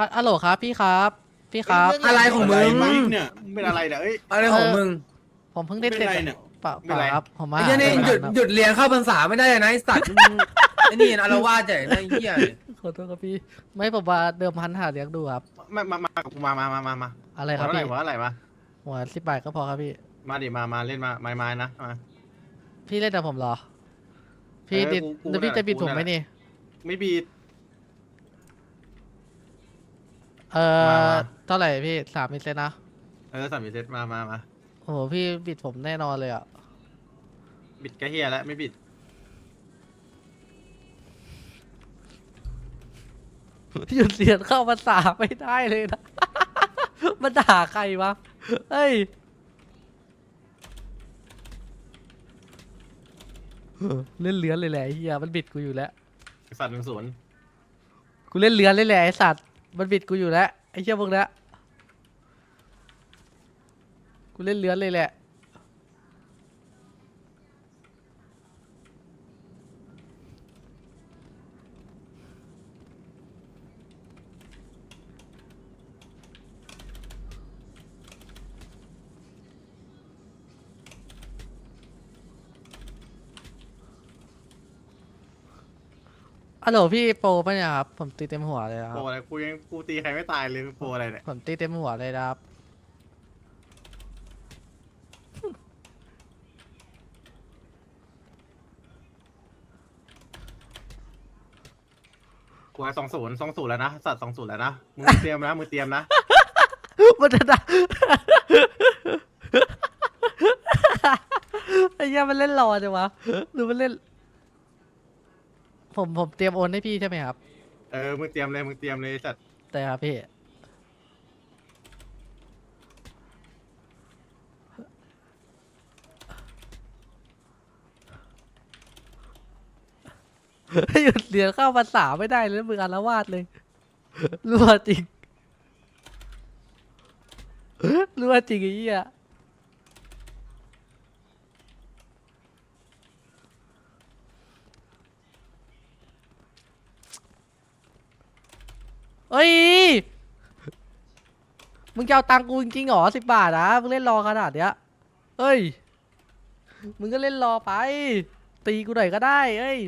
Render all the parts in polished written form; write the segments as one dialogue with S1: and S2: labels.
S1: ฮัลโหลครับพี่ครับพี่ครับ
S2: อะไรของมึง
S3: เนี่ยเป็นอะไรเนี่ยเอ้ย
S2: อะไรของมึง
S1: ผมเพิ่งได้
S3: เป็น
S1: เสร็จ
S3: ไรเนี่ย
S1: เปล่า
S3: เป็นไร
S1: ครับผมมา
S2: ไอ้เหี้ยนี่
S1: หา
S2: หยุด
S1: ครับ
S2: หยุดเรียนเข้าพรรษาไม่ได้เลยนะไอ้สัตว์มึงไอ้นี่อารวาสใหญ่นะไอ้เหี้ย
S1: ขอโทษครับพี่ไม่ผมว่าเดิมพันหาเลี้ยงดูครับ
S3: มา
S1: อะไรครับ
S3: หัว
S1: พี่
S3: อะไรวะ
S1: หัว10 บาทก็พอครับพี่
S3: มาดิมาเล่นมาไม้นะมา
S1: พี่เล่นกับผมเหรอ พี่
S3: เออ
S1: ดิด
S3: กู
S1: แล้วพี่
S3: นั่นแหละ
S1: จะบิด
S3: กู
S1: ผมไหม
S3: นั่นแหละ
S1: นี่
S3: ไม่บีด
S1: เอ
S3: มา
S1: อ
S3: มา
S1: เท่าไหร่พี่3 เซนนะ
S3: สามเซตมา
S1: โอ้โหพี่บิดผมแน่นอนเลยอ่ะ
S3: บิดกระเฮียแล้วไม่บิด
S1: หยุดเรียนเข้าภาษาไม่ได้เลยนะ มันด่าใครวะเฮ้ยเล่นเลือนเลยแหละไอ้เฮียมันบิดกูอยู่แล้ว
S3: สัตว์1-0
S1: กูเล่นเลือนเลยแหละไอสัตว์มันบิดกูอยู่แล้วไอ้เชี่ยพวกเนี้ยกูเล่นเลือนเลยแหละฮัลโหลพี่โปรปะเนี่ยครับผมตีเต็มหัวเลยนะค
S3: โป
S1: รับ
S3: อะไรกูตีใครไม่ตายเลยโปอะไรเนี่ย
S1: ผมตีเต็มหัวเลยนะครับ
S3: กูให้20แล้วนะสัตว์20แล้วนะมึงเตรียมนะ
S1: มันจะด่า ไอ้เหี้ยมันเล่นรอจังวะหรือมันเล่น ผมเตรียมโอนให้พี่ใช่ไหมครับ
S3: มึงเตรียมเลยสัตว์
S1: แต่ครับพี่ หยุดเรียนเข้าภาษาไม่ได้เลยมึงอาละวาดเลยรัวจริงรัวจริงไอ้เหี้ยเอ้ยมึงจะเอาตังค์กูจริงๆเหรอ10 บาทนะมึงเล่นรอขนาดเนี้ยเอ้ยมึงก็เล่นรอไป ตีกูหน่อยก็ได้เอ้ย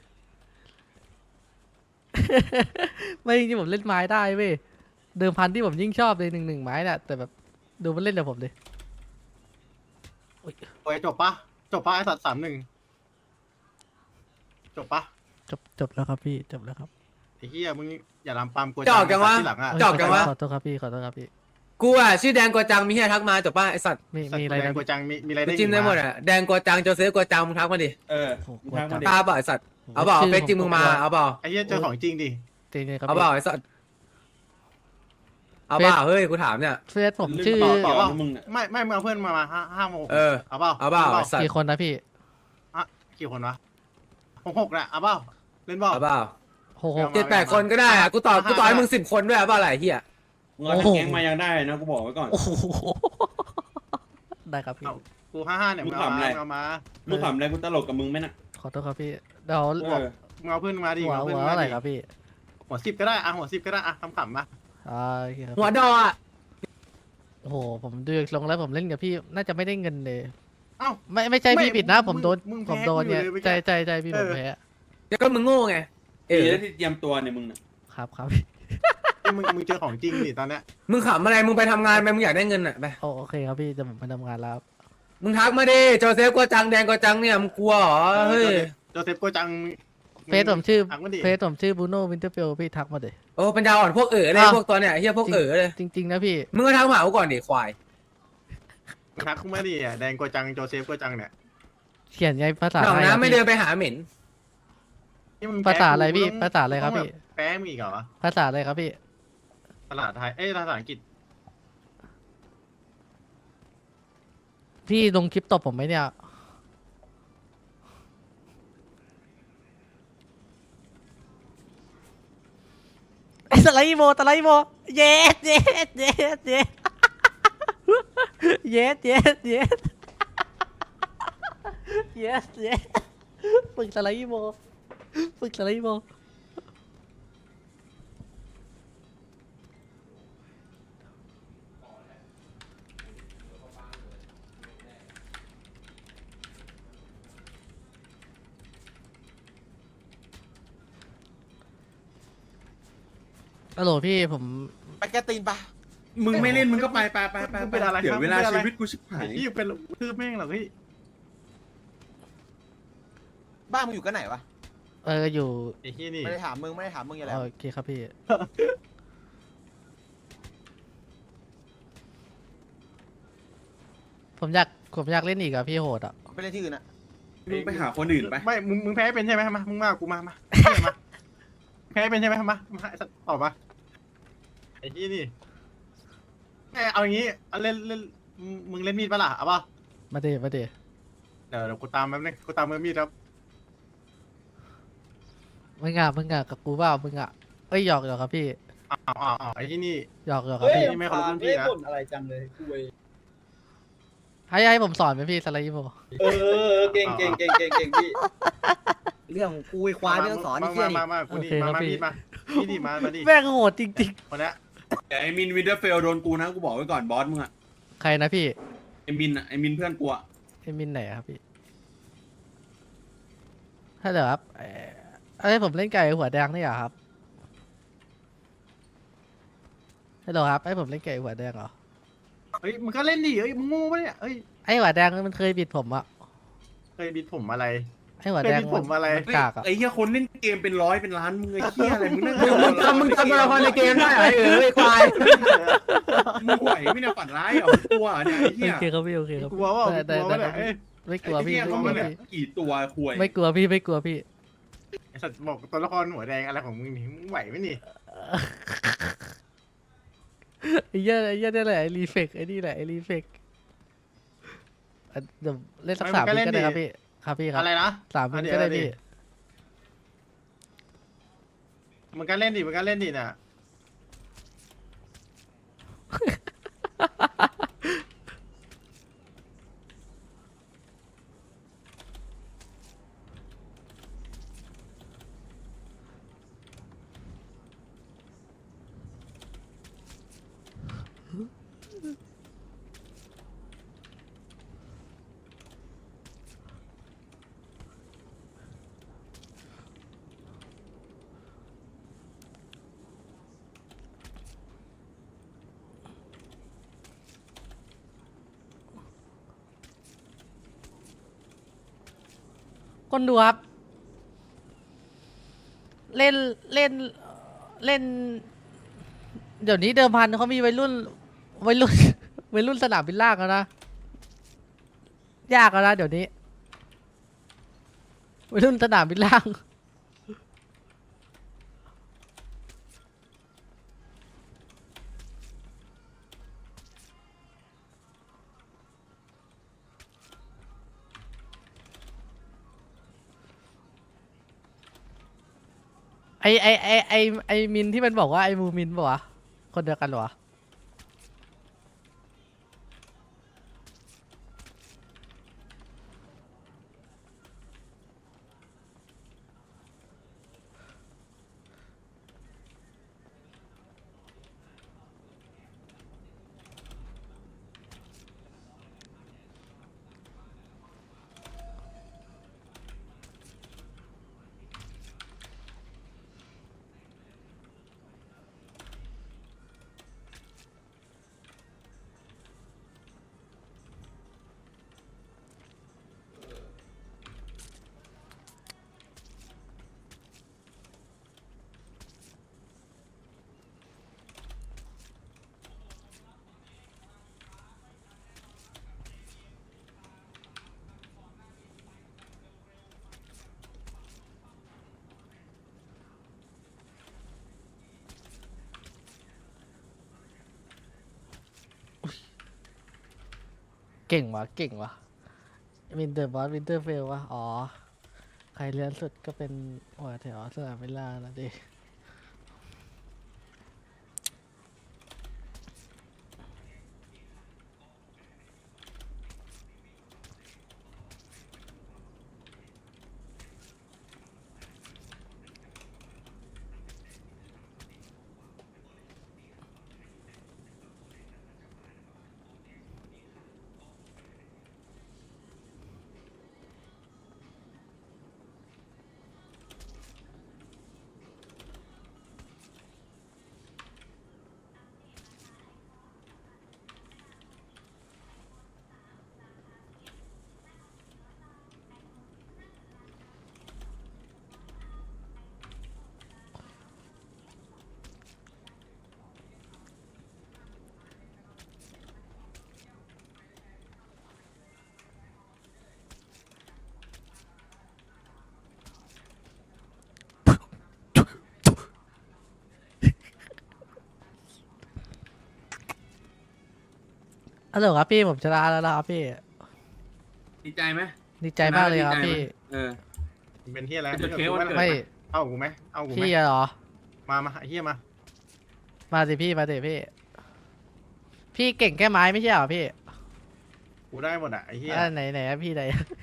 S1: ไม่จริงๆผมเล่นไม้ได้เว้ยเดิมพันที่ผมยิ่งชอบเลย1-1ไม้น่ะแต่แบบดูมันเล่นกับผมดิ
S3: โอ้ยจบปะไอ้สัตว์3-1จบปะ
S1: จบแล้วครับพี่จบแล้วครับ
S3: ไอ้เฮียมึงอย่าลามปามกู
S2: จอกจังวะ
S3: ที่หลังอ่ะ
S2: จอกจังวะ
S1: ขอโทษครับพี่ขอโทษครับพี่
S2: กูอ่ะชื่อแดงกัวจังมีเฮียทักมาจบป่ะไอ้สัตว์
S1: มีอะไร
S3: แด
S1: นะ
S3: งกูจังมีอะไร
S2: กู
S3: ได้
S2: จิ้มได้หมดอ่ะแดงกัวจังโจเซฟกัวจังมึงทักมาดิ
S3: เออ
S1: โอ้โห
S3: มึงทางมาดิ
S2: ตาเปล่าไอ้สัตว์เอาเปล่าเอาเฟซจริงมึงมาเอาเปล่า
S3: ไอ้เฮียเจอของจริงดิ
S1: ตีเลยครับ
S2: เอาเปล่าไอ้สัตว์เอาเปล่าเฮ้ยกูถามเนี่ย
S1: เฟซผมชื่อ
S3: ต่อว่ามึงไม่มึงเอาเพื่อนมา5 โมง
S2: เออ
S3: เอาเปล่า
S2: เอาเปล่าไอ้สัตว์
S1: กี่คนนะพี่
S3: กี่คนวะ6แหละเอาเปล่าเล่นเปล่า
S2: เอาเปล่า
S1: โอ้โห
S2: 7-8 คนก็ได้อ่ะกูต่อให้มึง10 คนด้วยเอาเปล่าอะไรเฮีย
S4: มึงเอาทั้งแก๊งมายังได้นะกูบอกไว้ก่อน
S1: โอ้โหได้ครับพี่
S3: กู55เนี่ยมึงเอามาเอามา
S4: มึงขำอะไรกูตลกกับมึงไหมน่ะ
S1: ขอโทษครับพี่เดี๋ยว
S4: เออ
S3: มึงเอาเพื่อนมาดิ
S1: หัว
S3: เอาเพื่อน
S1: หัว
S3: มา
S1: อะไร
S3: ดิ
S1: ครับพี่
S3: หัว10ก็ได้หัว10ก็ได้ขำๆมา
S1: โอเคครับ
S2: หัวดออ่ะ
S1: โอ้โหผมดูลงแล้วผมเล่นกับพี่น่าจะไม่ได้เงินเลย
S3: เอ้า
S1: ไม่ใช่พี่ผิดนะผมโดน
S3: มึงแพ้
S1: ผมโดนเนี่ย
S3: กูอยู่เลยเมื่อกี้
S1: ใจพี่ผมแพ้
S2: เดี๋ยวก็มึงโง่ไงเอ
S4: ดี
S2: อ
S4: แล้วที่เตรียมตัวเนี่ยมึงน่ะ
S1: ครับครับ
S3: มึงเจอของจริงดิตอนเนี้ย
S2: มึงขำอะไรมึงไปทำงานไปมึงอยากได้เงินอ่ะไป
S1: โอเคครับพี่จะผมไปทำงานแล้วครับ
S2: มึงทักมาดิโจเซฟกัวจังแดงกัวจังเนี่ยมึงกลัวเหรอเฮ้ย
S3: โจเซฟโกจัง
S1: เฟซผมชื่อ
S3: ทักมาดิ
S1: เฟซผมชื่อบูโน่วินเทอร์เฟลพี่ทักมาเดย
S2: โอ้ปัญญาอ่อนพวกเลย
S1: อ้าว
S2: พวกตัวเนี่ยเฮียพวกเลย
S1: จริงๆนะพี่
S2: มึงก็ทักมาเอาก่อนดิควาย
S3: ทักมาดิแดงโกจังโจเซฟโกจังเนี่ย
S1: เขียนไงภาษา
S2: หนอง
S1: ไทยครับ
S2: น้ำไม่
S1: พี่
S2: เดินไปหาเหม็น
S3: นี่มึง
S1: ภาษาอะไรพี่
S3: มึง
S1: ภาษาอะไรครับพี่
S3: แป้มึงอีกเหรอ
S1: ภาษาอะไรครับพี่
S3: ภาษาไทยภาษาอังกฤษ
S1: พี่ลงคลิปตบผมไหมเนี่ยไอ้สไลด์โมเย็ดเย็ดเย็ดเย็ดเย็ดเย็ดเย็ดเย็ดเย็ดฝึกสไลด์โมฝึกสไลด์โมฮัลโหลพี่ผม
S5: ไปแกตีนปะ
S4: มึงไม่เล่นมึงก็ไปไปไปไป
S3: มึงเป็นอะไร
S4: เดี๋ย
S3: ครับ
S4: วเวลา
S3: มึงเป็นอะไร
S4: ชีวิตกูชิบหาย
S3: พี่เป็นทืบแม่งเหรอพี่
S5: บ้านมึงอยู่กันไหนวะ
S1: อยู่
S3: ไอ้ที่นี่
S5: ไม่ได้ถามมึงอย่าแหละ
S1: โอเคครับพี่ ผมอยากเล่นอีกอะพี่โหดอะ
S5: ไปเล่นที่อื่นอะ
S4: มึงไปหาคนอื่นไป
S3: ไม่มึงแพ้เป็นใช่ไหมมามึงมากูมาเนี่ยมาแพ้เป็นใช่ไหมมาไอ้สัตว์ตอบมาไอ้ที่นี่เอาอย่างงี้เอาเล่นมึงเล่นมีดปะล่ะเอาป่ะ
S1: มาเดมาเด
S3: เดี๋ยวกูตามแป๊บนึงกูตามมือมีดครับ
S1: มึงอะกับกูเปล่ามึงอะเอ้ยหยอกครับพี่
S3: อ้าวไอ้ที่นี่
S1: หยอกครับ
S3: เฮ้ย
S1: พี่
S3: นี่ไม่เคารพรุ่นพี่นะ
S6: บ่นอะไรจังเลยคุย
S1: ให้ผมสอนไหมพี่สไลด์โม
S6: เก่งพี่
S7: เรื่องของกูไอ้ควายไม่ต้องสอนไอ้เหี้ยนี่
S3: มากูนี่มามีดมานี่ดิมาดิ
S1: แม่งโหดจริง
S3: คนเนี้ย
S4: แต่ไอ้มินวินเทอร์เฟลโดนกูนะกูบอกไว้ก่อนบอสมึงอะ
S1: ๆ ใครนะพี่
S4: ไอ้มินอะไอ้มินเพื่อนกูอะ
S1: ไอ้มินไหนอะครับพี่ถ้าเดี๋ยวครับให้ผมเล่นไก่หัวแดงนี่เหรอครับฮัลโหลครับให้ผมเล่นไก่หัวแดงเหรอ
S3: เฮ้ยมึงก็เล่นดิเฮ้ยมึงโง่ปะเนี่ยเฮ้ย
S1: ไอ้หัวแดงมันเคยบิดผมอะ
S3: เคยบิดผมอะไร
S1: ไอ้หัวแดง
S3: เคยบิดผมอะไร
S1: นกากอะ
S4: ไอ้เหี้ยคนเล่นเกมเป็นร้อยเป็นล้านมึงไอ้เหี้ยอะไรมึงนั่ง
S2: มึงทำตัวละครในเกมได้เหรอไอ้ควาย
S4: มึงไหวไม่เนี่ยฝันร้ายเหรอมึงกลัวเหรอเนี่ยไอ้
S1: โอ
S4: เหี้ย
S1: เคครับพี่โอเคครับ
S3: กลัวว่า
S1: ได้
S3: กลัวว่าเนี่ยเอ้ย
S1: ไม่กลัว
S4: ไอ้
S1: พี่
S4: เหี้ย
S1: ไม่
S4: เขา
S1: กลั
S4: มาว เนี่ย
S1: พี่
S4: กี่ตัวควย
S1: ไม่กลัวพี่ไม่กลัวพี่
S3: ไอ้สัตว์บอกตัวละครหัวแดงอะไรของมึงนี่มึงไหวไหมนี่
S1: ไอ้เหี้ยนี่แหละไอ้รีเฟกไอ้นี่แหละไอ้รีเฟกเดี๋ยวเล่นสัก3 วิก็ได้ครับพี่ครับพี่ครับ
S3: อะไรนะ
S1: 3 วิก็ได้พี่
S3: มึงก็เล่นดิมึงก็เล่นดิน่ะ
S1: คนดูครับ เล่นเล่นเล่น เดี๋ยวนี้เดิมพันเขามีวัยรุ่น วัยรุ่นสนามบินล่างแล้วนะ ยากแล้วนะเดี๋ยวนี้วัยรุ่นสนามบินล่าง ไอมินที่มันบอกว่าไอมูมินปะวะคนเดียวกันเหรอวะเก่งวะเก่งวะวินเตอร์บอสวินเตอร์เฟลวะอ๋อ ใครเลี้ยนสุดก็เป็นหัวแถวสนามเวลาแล้วดิฮัลโหลครับพี่ผมชนะแล้วนะครับพี่
S4: ดีใจไหม
S1: ดีใจมากเลยครับพี่
S4: เออ
S3: มึงเป็นเฮียอะไร
S4: จะเค้กวันเกิด
S1: ไม่
S3: เอากูไหมเอากูไหม
S1: พี่อะเหรอ
S3: มาไอ้เฮียมา
S1: มาสิพี่มาสิพี่ พี่เก่งแค่ไม้ไม่ใช่เหรอพี่
S3: กูได้หมดอ่ะไอ้เฮีย
S1: ไหนอะพี่ไหน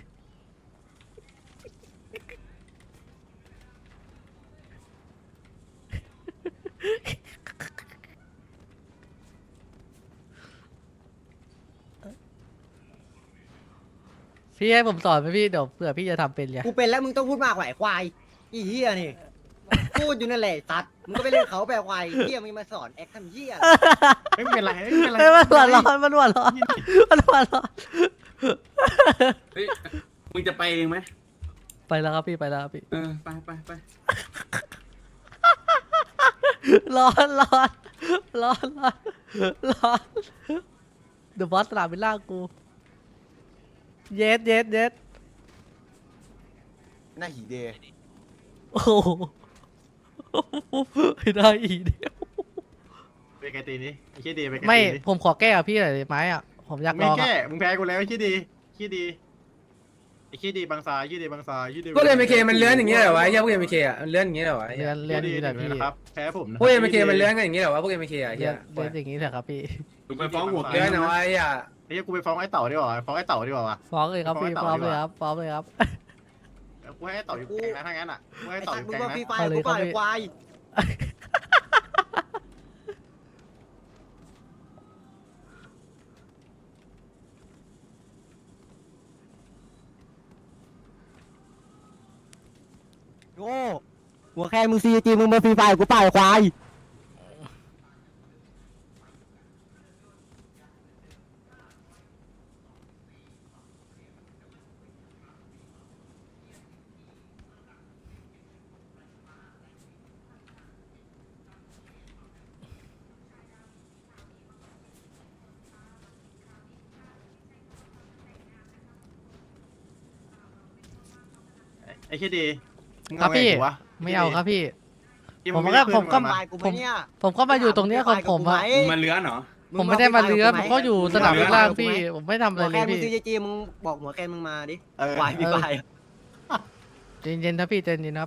S1: พี่ให้ผมสอนไหมพี่เดี๋ยวเผื่อพี่จะทำเป็นไง
S7: กูเป็นแล้วมึงต้องพูดมากกว่าไอ้ควายอีเหี้ยนี่ พูดอยู่นั่นแหละตัดมึงก็ไปเล่นเขาแบบควายเหี้ยมึงมาสอนแอคทำเหี้ย
S3: ไม่เป็นไรไม่เป็นไร
S1: เฮ้ยมันหัวร้อนมันหัวร้อนมันหัวร้อน
S4: เฮ้ยมึงจะไปเองไหม
S1: ไปแล้วครับพี่ไปแล้วครับพี่
S4: เออไป
S1: ร้อนเดอะบอสสนามบินล่างกูเย็ด
S5: หน้าหีเดย์
S1: โอ้โหไม่ได้อีกเดียว
S3: ไปไกลตีนี้ไอ้เฮียดีไปไกล
S1: ไม่
S3: ตีนี้
S1: ผมขอแก้กับพี่หน่อยได้ไหมอ่ะผมอยากล
S3: ไม่
S1: อง
S3: แก้
S1: อ่ะ
S3: มึงแพ้กูแล้วไอ้เฮียดีไอ้เฮียดีบางซาไอ้เฮียดีบางซาไอ้เฮียดี
S2: พวกเอ็มเคมันเลื้อนอย่างเงี้ยเหรอวะไอ้เหี้ยพวกเอ็มเคอ่ะมันเลื้อนอย่างเงี้ยเหรอวะไอ้
S1: เรี
S2: เหี้
S1: ย
S2: ย
S1: นนี่แหละพี่
S3: นะครับแพ้ผมนะ
S2: พวกเอ็มเคมันเลื้อนกันอย่างเงี้ยเหรอวะพวกเอ็มเคอ่ะไอ้
S1: เรี
S2: เหี้
S1: ย
S2: ย
S1: นอย่างนี้เถอะครับพี่
S4: มึงไปฟ้องหัว
S2: เลื้อนเอาไว้อ่ะ
S3: ไอ้เฮียกูไปฟ้องไอ้เต่าดีกว่าฟ้องไอ้เต่าดีกว่าวะ
S1: ฟ้องเลยครับพี่
S3: ฟ้
S1: ฟ้
S3: อ
S1: อง ง
S3: ไอ้
S1: เลย
S3: เต่า
S1: ครับฟ้องเลยครับ
S3: กูให้ไอ้เต่าอยู่แกงนะถ้างั้นอ่ะกูให้
S7: ไอ้
S3: ไอ้เต่า
S7: ตั
S3: อ
S7: ด
S3: ยู่
S7: มึ
S3: แก
S7: ง
S3: ง
S7: มา
S3: นะ
S7: ฟรีไฟล์กูเปล่าไอ้ควาย โง่หัวแค่มึงซีจีมึงมาฟรีไฟล์กูเปล่าไอ้ควาย
S3: ไอ้เฮียดีมึง
S1: ครับ
S3: เอาไง
S1: พี่
S3: กูวะ
S1: ไม่เอาครับพี่
S3: ที่
S1: ผม
S3: ไ
S1: ก็
S3: ขึ้น
S1: ผมก็
S3: า
S7: ไฟล์กูไหมเนี่ย
S1: ผมก็มาอยู่ตรงเนี้ยของผมอะ
S4: มึงมาเลื้อนเหรอ
S1: ผมไม่ได้มาเรือผมก็อยู่สนามบินล่างพี่ ผมไม่ทำอะไร
S7: หัว
S1: เล
S7: แค่
S1: ย
S7: มึง
S1: พี่
S7: ซีจีมึงบอกหัวแค่มึงมาดิ
S3: เออ
S7: ควายฟรีไฟล์
S1: ใจเย็นๆนะพี่ใจเย็นๆครับ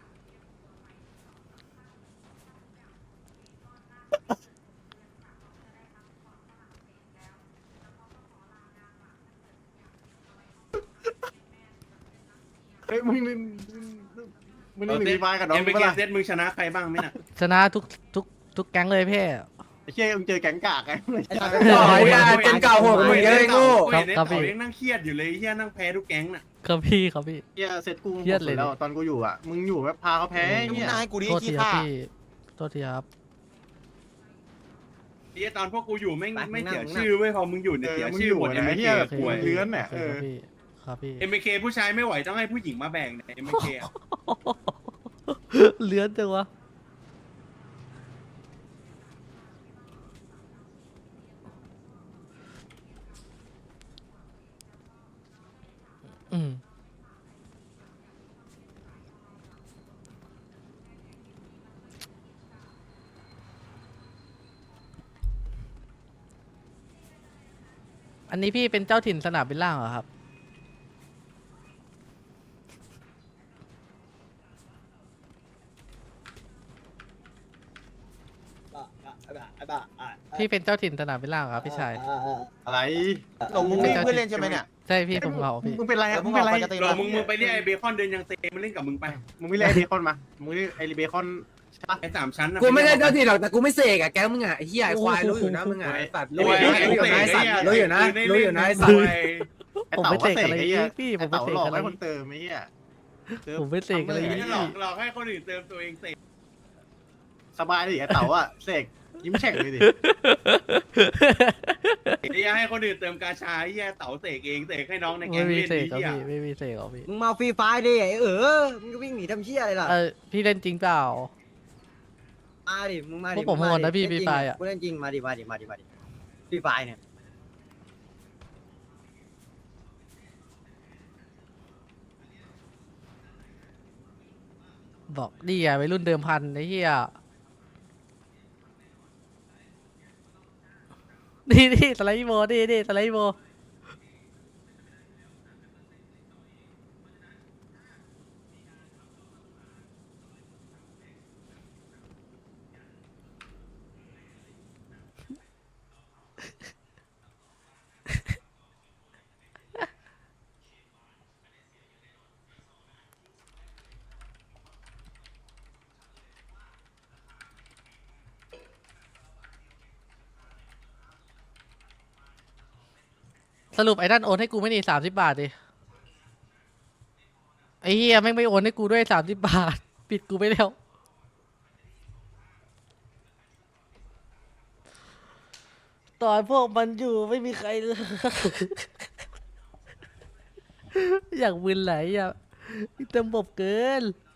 S3: เฮ้ยมึงนี่หนีไฟกับน้อง
S4: เอ็ม
S3: กู
S4: ไป
S3: ปะ
S4: เก
S3: ล่ะ
S4: เซตมึงชนะใครบ้างไหมน่ะ
S1: ชนะทุกแก๊งเลยพี่
S3: ไอ้เชี่ยมึงเจอแก๊งกากไง
S7: ไอ้สัตว์
S2: โอ้ยอ่ะเจนเก่าโหดกว่ามึงเยอะไอ้โง่
S4: เห็นไอ้เต่ายังนั่งเครียดอยู่เลยไอ้เหี้ยนั่งแพ้ทุกแก๊งน่ะ
S1: ครับพี่ครับพี่
S3: เชี่ยเสร็จกู
S1: เครียดเลย
S3: แล้วตอนกูอยู่อ่ะมึงอยู่แบบพาเขาแพ้
S5: มึง
S3: เนี่ย
S5: หน้าให้กูดิ
S1: โทษ
S5: ขี้
S1: ทีครับ
S5: ข้า
S1: พี่โทษทีครับ
S4: ไอ้เหี้ยตอนพวกกูอยู่ไม่เสียชื่อเว้ยพอมึงอยู่เนี่ยเสียชื่อหมดเอ็ม
S3: ไอ้
S4: เค
S3: เหี้ย
S1: โอเค
S3: ป่วยเลื้อนเนี่ย
S1: โอเคครับพี่ครับพี่
S4: เอ็มเคผู้ชายไม่ไหวต้องให้ผู้หญิงมาแบ่งเนี่ยเอ็มเค
S1: เลื้อนจังวะอืมอันนี้พี่เป็นเจ้าถิ่นสนามบินล่างเหรอครับ พี่เป็นเจ้าถิ่นสนามบินล่างเหรอครับพี่ชาย
S3: อะไร
S5: หลงมึงไม่เพื่อนเล่นใช่ไหมเนี่ย
S1: ใช่พี่ผมเหงาพี่
S3: มึงเป็นไร
S5: เอ
S3: อะ
S5: อ
S3: มึงเป็นไร
S5: มึงออกไปกระตือ
S4: เรามึงไปเรียกไอ้เบคอนเดินยังเตมาเล่นกับมึงไป
S3: มึงไม่เรียกไอ้เบคอนมามึงเรียกไอ้เบคอนใช่ปะ
S4: ไอ้3 ชั้นน่ะ
S2: กูไม่ได้เจ้าที่หรอกแต่กูไม่เสกอ่ะแกมึงอ่ะไอ้เหี้ยไอ้ควายรู้อยู่นะมึงอ่ะไอ้สัตว์รู้อยู่นะรู้อยู่นะไอ้สัตว์รู้อยู่นะรู้อยู่นะไอ้สัตว์
S3: ไอ้
S1: ผม
S3: เต่า
S1: ไม่
S3: ก็
S1: เตะ
S3: เตะ
S1: อะไร
S3: ไอ้เหี้ย
S1: พี่ผม
S3: ไอ้
S1: ไม่
S3: เต่า
S1: เตะ
S3: หลอก
S1: อะไร
S3: ให้คนเติมไอ้เหี้ยเติม
S1: ผมไม่เตะอะไร
S4: ไม่
S1: พี่
S4: หลอกให้คนอื่นเติมตัวเองเสก
S3: สบายดิไอ้เต่าอะเสกยิ้มแฉ่งเลยดิ
S4: ไอ้เหี้ยให้คนอื่นเติมกาชาไอ้เหี้ยเต๋าเสกเองเสกให้น้องในแก๊
S1: ไม่
S4: ง
S1: มี
S4: เล่น
S1: เตะ
S4: ไอ้
S1: ครับ
S4: เหี้ย
S1: พี่ไม่มีเตะครับพี่
S7: มึงมาฟรีไฟล์ดิไอ้มึงก็วิ่งหนีทำเชี่ยอะไรล่ะ
S1: พี่เล่นจริงเปล่า
S7: มาดิมึงมาดิ
S1: พวกผมโหดนะพี่
S7: เล่จริง
S1: ฟรีไฟล์อะ
S7: กูเล่นจริงมาดิฟรีไฟล์เนี่ย
S1: บอกดีอ่ะวัยรุ่นเดิมพันไอ้เหี้ยนี่นี่สไลด์โบนี่สไลด์โบสรุปไอ้นั่นโอนให้กูไม่นี่30 บาทดิไอ้เฮียแม่งไม่โอนให้กูด้วย30 บาทปิดกูไปแล้วตอนพวกมันอยู่ไม่มีใครเลย อยากมึนไหลอ่ะเต็มบบเกิน